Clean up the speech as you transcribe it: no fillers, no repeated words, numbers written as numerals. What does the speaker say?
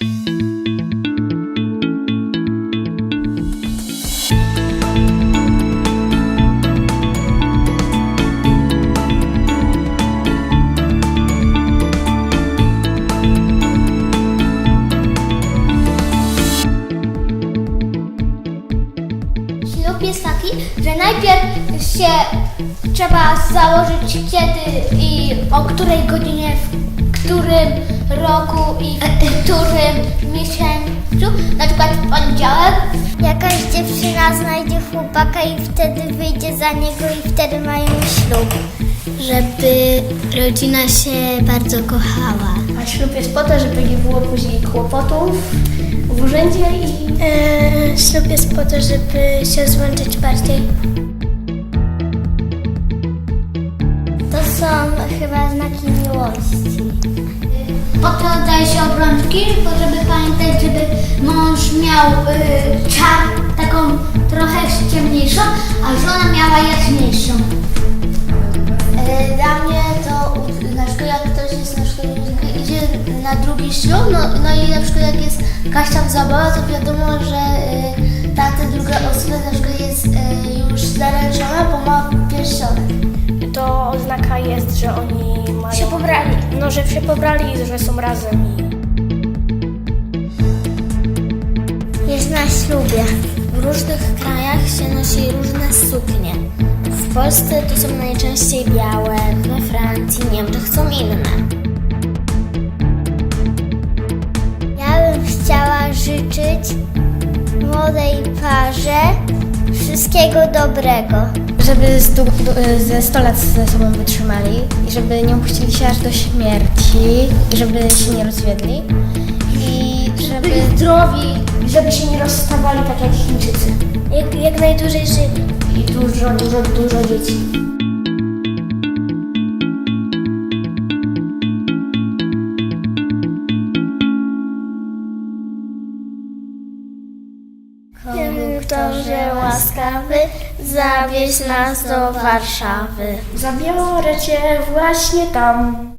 Ślub jest taki, że najpierw się trzeba założyć kiedy i o której godzinie, w którym roku i w którym miesiącu, na przykład w poniedziałek. Jakaś dziewczyna znajdzie chłopaka i wtedy wyjdzie za niego i wtedy mają ślub. Żeby rodzina się bardzo kochała. A ślub jest po to, żeby nie było później kłopotów w urzędzie i... Ślub jest po to, żeby się złączyć bardziej. To są chyba znaki miłości. Po to daje się obrączki, bo żeby pamiętać, żeby mąż miał taką trochę ciemniejszą, a żona miała jaśniejszą. Dla mnie to na przykład jak ktoś jest na przykład idzie na drugi ślub, no i na przykład jak jest jakaś tam zabawa, to wiadomo, że ta druga osoba na przykład jest już zaręczona, bo ma pierścionek. To oznaka jest, że oni mają... Się pobrali. No, że się pobrali i że są razem i... Jest na ślubie. W różnych krajach się nosi różne suknie. W Polsce to są najczęściej białe, we Francji, Niemczech są inne. Ja bym chciała życzyć młodej parze wszystkiego dobrego. Żeby ze 100 lat ze sobą wytrzymali i żeby nie opuścili się aż do śmierci i żeby się nie rozwiedli i żeby Byli zdrowi, żeby się nie rozstawali tak jak Chińczycy. Jak najdłużej żyli. I dużo dzieci. Konduktorze łaskawy, zawieź nas do Warszawy. Zabiorę cię właśnie tam.